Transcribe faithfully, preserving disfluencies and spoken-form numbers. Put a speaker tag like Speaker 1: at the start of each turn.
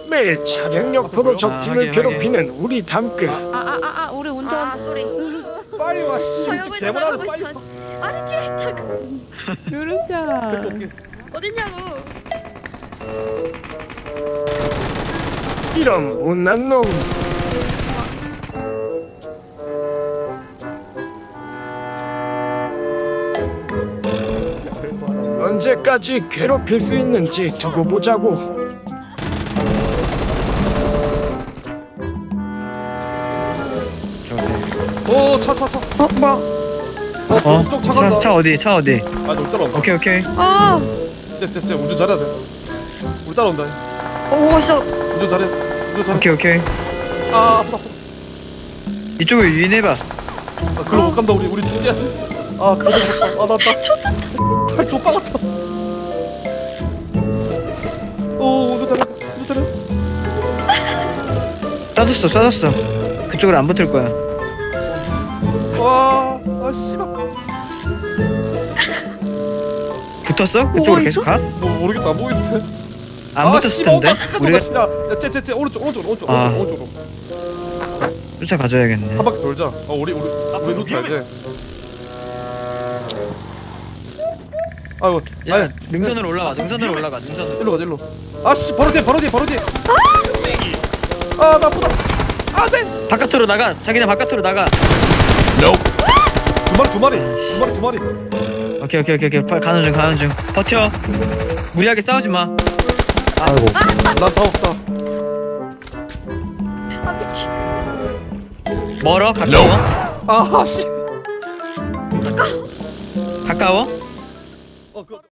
Speaker 1: 매일 차량 옆으로
Speaker 2: 아,
Speaker 1: 적팀을
Speaker 2: 하긴,
Speaker 1: 괴롭히는 우리 담끝.
Speaker 3: 아아아아 우리 운전.
Speaker 4: 아 쏘리.
Speaker 2: 빨리 와. 씨,
Speaker 4: 서영을
Speaker 2: 대문하는
Speaker 4: 서영을
Speaker 2: 빨리.
Speaker 4: 서- 아니 캐릭터가
Speaker 3: 누르자.
Speaker 2: 데리고 올게.
Speaker 4: 어딨냐고.
Speaker 1: 이런 못난 놈. 언제까지 괴롭힐 수 있는지 두고 보자고.
Speaker 2: 오, 차, 차, 차.
Speaker 3: 어 뭐?
Speaker 2: 어,
Speaker 5: 어?
Speaker 2: 쪽, 쪽, 차
Speaker 5: 차,
Speaker 2: 간다.
Speaker 5: 차 어디? 차 어디?
Speaker 2: 아, 우리 따라온다.
Speaker 5: 오케이 오케이.
Speaker 3: 아.
Speaker 2: 쟤, 쟤, 쟤 운전 잘해야 돼. 우리 따라온다.
Speaker 4: 오 진짜.
Speaker 2: 운전 잘해. 운전 잘해.
Speaker 5: 오케이 오케이.
Speaker 2: 아, 아프다.
Speaker 5: 이쪽을 유인해봐.
Speaker 2: 아, 그럼 못 간다. 우리 우리 뛰어야 돼. 아, 존나 무섭다. 아, 나 나. 팔 족바 같아. 오, 운전 잘해. 운전 잘해.
Speaker 5: 쏴줬어 쏴줬어. 그쪽으로 안 붙을 거야.
Speaker 2: 와, 아, 씨발.
Speaker 5: 붙었어? 그쪽으로
Speaker 3: 오,
Speaker 5: 계속
Speaker 3: 있어?
Speaker 5: 가?
Speaker 2: 뭐 모르겠다. 안 보이는데.
Speaker 5: 안 붙었을 텐데. 우리가
Speaker 2: 우리가 야, 쟤, 쟤, 쟤 오른쪽, 오른쪽, 오른쪽,
Speaker 5: 아.
Speaker 2: 오른쪽, 오른쪽으로.
Speaker 5: 쫓아가줘야겠네.
Speaker 2: 한 바퀴 돌자. 어, 우리 우리 우리 루트 알지? 아이고,
Speaker 5: 야
Speaker 2: 아니,
Speaker 5: 능선으로 올라가. 능선으로 올라가. 능선으로.
Speaker 2: 일로 가자, 일로. 아씨, 바로 뒤에, 바로 뒤에, 바로 뒤에. 아, 나 아프다. 아, 네.
Speaker 5: 바깥으로 나가. 자기네 바깥으로 나가.
Speaker 2: 두 마리, 두 마리, 두 마리, 두 마리.
Speaker 5: 오케이 오케이 오케이 오케이. 빨리 가는 중 가는 중. 버텨. 무리하게 싸우지 마. 아이고.
Speaker 2: 난 다 없다.
Speaker 4: 아 미치.
Speaker 5: 멀어? 가까워?
Speaker 2: 아, 씨.
Speaker 5: 가까워?
Speaker 2: 어, 그.